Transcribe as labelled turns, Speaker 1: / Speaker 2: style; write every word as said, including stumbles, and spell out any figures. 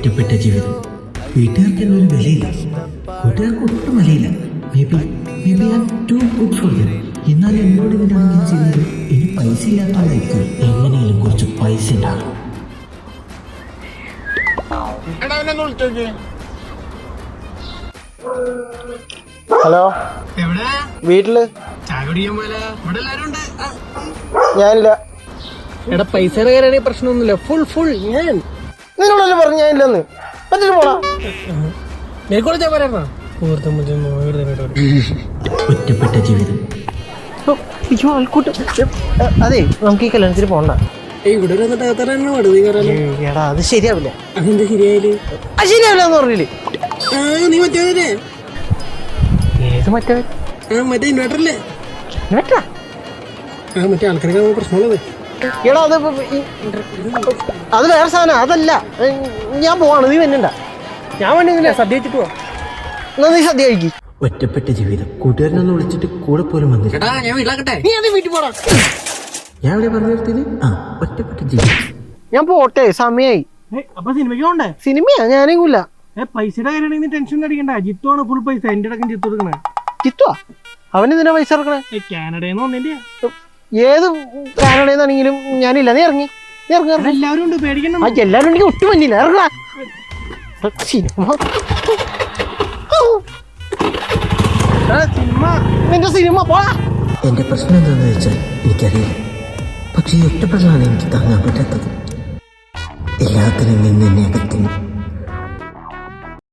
Speaker 1: ഒറ്റപ്പെട്ട ജീവിതം. വീട്ടുകാർക്ക് എന്നൊരു വിലയില്ല, കൂട്ടുകാർക്ക് ഒട്ടും വിലയില്ല. Maybe maybe I am too good for them. എന്നാൽ എന്നോട് ഇവരാണെങ്കിൽ ചെയ്യുന്നത് ഇനി പൈസ ഇല്ലാത്തതായിരിക്കും. എങ്ങനെയും കുറച്ച് പൈസ ഉണ്ടാകും.
Speaker 2: ഹലോ, വീട്ടില് ഞാനില്ല.
Speaker 3: എടാ പൈസയുടെ കാര്യമാണെങ്കിൽ പ്രശ്നമൊന്നുമില്ല. ഫുൾ ഫുൾ ഞാൻ
Speaker 2: നിന്നോടല്ലേ പറഞ്ഞു ഞാനില്ലെന്ന്. പറ്റിട്ട് പോടാ.
Speaker 3: നിനക്കോളെ പറയാ
Speaker 1: ഒറ്റപ്പെട്ട ജീവിതം.
Speaker 2: അതെ, നമുക്ക് ഈ കല്യാണത്തിന് പോണ്ട.
Speaker 3: ഇവിടെ
Speaker 2: എടാ അത് ശരിയാവില്ല.
Speaker 3: അതെന്താ ശരിയായാല്?
Speaker 2: അത് ശരിയാവില്ല എന്ന് പറഞ്ഞില്ലേ?
Speaker 3: നീ മറ്റേ
Speaker 2: ഏത് മറ്റേ
Speaker 3: മറ്റേ ഇൻവേർട്ടറല്ലേ?
Speaker 2: ഇൻവെർട്ടറാ?
Speaker 3: ആ മറ്റേ ആൾക്കാർക്ക് പ്രശ്നമുള്ളത്.
Speaker 2: എടാ അത് അത് വേറെ സാധനം, അതല്ല. ഞാൻ പോവാണ്, നീ വന്നണ്ട.
Speaker 3: ഞാൻ വേണ്ടി സദ്യ വെച്ചിട്ട് പോവാ.
Speaker 2: എന്നാ നീ സദ്യ കഴിക്കും.
Speaker 1: ഒറ്റപ്പെട്ട ജീവിതം. കൂട്ടുകാരനൊന്ന് വിളിച്ചിട്ട് കൂടെ പോലും വന്നില്ല.
Speaker 3: ഞാൻ വീട്ടിലാക്കട്ടെ.
Speaker 2: നീ അത് വീട്ടിൽ പോടാ.
Speaker 1: ഞാൻ ഇവിടെ പറഞ്ഞു നിർത്തിയത് ആ ഒറ്റപ്പെട്ട ജീവിതം.
Speaker 2: ഞാൻ പോട്ടെ, സമയായി.
Speaker 3: അപ്പൊ സിനിമയ്ക്ക് പോണ്ടേ?
Speaker 2: സിനിമയാ? ഞാനേക്കൂല.
Speaker 3: ഏ പൈസയുടെ കാര്യമാണെങ്കിൽ ടെൻഷൻ അടിക്കണ്ട. ജിത്തുവാണ് ഫുൾ പൈസ. എന്റെ അടക്കം ജിത്തു എടുക്കണേ.
Speaker 2: ചിത്തുവാ? അവനെന്തിനാ പൈസ ഇറക്കണേ?
Speaker 3: കാനഡന്ന് വന്നേന്റെ.
Speaker 2: ഏത് കാനഡയെന്നാണെങ്കിലും ഞാനില്ല. നീ ഇറങ്ങി, നീ ഇറങ്ങി.
Speaker 3: എല്ലാവരും ഉണ്ട്, പേടിക്കണം.
Speaker 2: ആ എല്ലാവരും ഉണ്ടെങ്കിൽ ഒട്ടും മഞ്ഞില്ല. ഇറങ്ങാ സിനിമ.
Speaker 3: സിനിമ
Speaker 2: നിന്റെ സിനിമ പോടാ.
Speaker 1: എന്റെ പ്രശ്നം എന്താണെന്ന് വെച്ചാൽ എനിക്കറിയില്ല. പക്ഷെ ഈ ഒറ്റപ്പെടലാണ് എനിക്ക് താങ്ങാൻ പറ്റാത്തത്. എല്ലാത്തിനും നിന്ന് എന്നെ അകത്തുന്നു.